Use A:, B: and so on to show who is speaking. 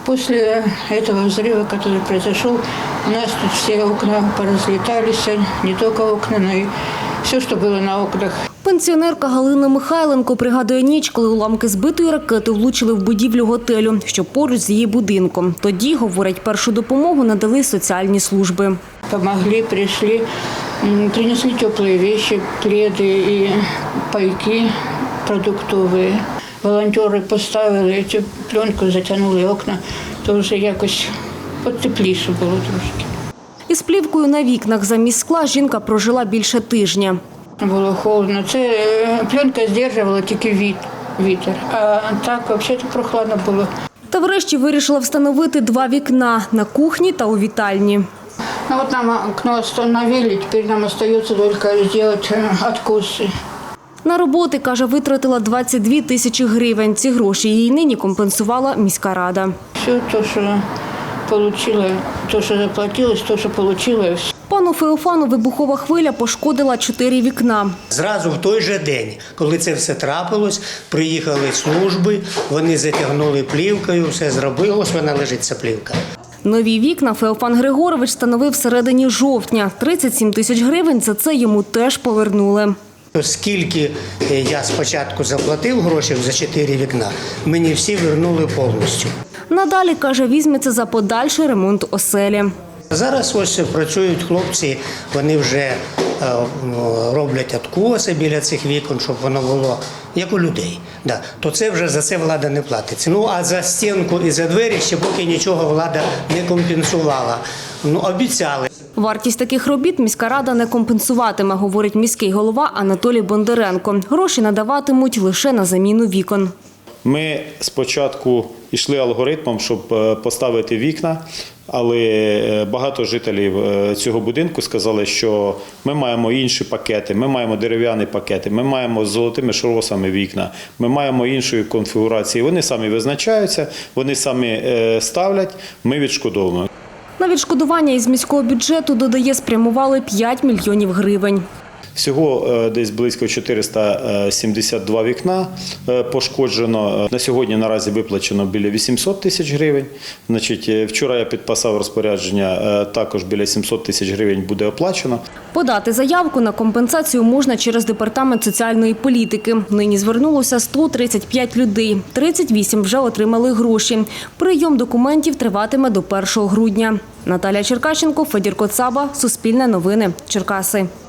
A: После этого взрыва, который произошел, у нас тут все окна поразлетались, не только окна, но и все, что было на окнах.
B: Пенсіонерка Галина Михайленко пригадує ніч, коли уламки збитої ракети влучили в будівлю готелю, що поруч з її будинком. Тоді, говорить, першу допомогу надали соціальні служби.
A: Помогли, пришли, принесли теплые вещи, пледы и пайки продуктовые. Волонтери поставили цю пленку, затягнули окна, то вже якось потепліше було трошки.
B: Із плівкою на вікнах замість скла жінка прожила більше тижня.
A: Було холодно. Це пленка здержувала тільки вітер, а так взагалі прохладно було.
B: Та врешті вирішила встановити 2 вікна – на кухні та у вітальні.
A: Ну вот нам окно остановили, теперь нам остается только сделать откосы.
B: На роботи, каже, витратила 22 тисячі гривень. Ці гроші їй нині компенсувала міська рада.
A: Все то, що получила, то, що заплатилось, то, що получила.
B: Пану Феофану вибухова хвиля пошкодила 4 вікна.
C: Зразу в той же день, коли це все трапилось, приїхали служби, вони затягнули плівкою, все зробили, ось вона лежить, ця плівка.
B: Нові вікна Феофан Григорович встановив в середині жовтня. 37 тисяч гривень за це йому теж повернули.
C: Скільки я спочатку заплатив грошей за 4 вікна, мені всі вернули повністю.
B: Надалі, каже, візьметься за подальший ремонт оселі.
C: Зараз ось працюють хлопці, вони вже роблять откоси біля цих вікон, щоб воно було як у людей. Да. То це вже за це влада не платить. Ну а за стінку і за двері ще поки нічого влада не компенсувала. Ну, обіцяли.
B: Вартість таких робіт міська рада не компенсуватиме, говорить міський голова Анатолій Бондаренко. Гроші надаватимуть лише на заміну вікон.
D: Ми спочатку йшли алгоритмом, щоб поставити вікна, але багато жителів цього будинку сказали, що ми маємо інші пакети, ми маємо дерев'яні пакети, ми маємо з золотими шросами вікна, ми маємо іншої конфігурації. Вони самі визначаються, вони самі ставлять, ми відшкодовуємо.
B: На відшкодування із міського бюджету, додає, спрямували 5 мільйонів гривень.
D: Всього десь близько 472 вікна пошкоджено. На сьогодні наразі виплачено біля 800 тисяч гривень. Вчора я підписав розпорядження, також біля 700 тисяч гривень буде оплачено.
B: Подати заявку на компенсацію можна через Департамент соціальної політики. Нині звернулося 135 людей. 38 вже отримали гроші. Прийом документів триватиме до 1 грудня. Наталія Черкащенко, Федір Коцаба, Суспільне новини, Черкаси.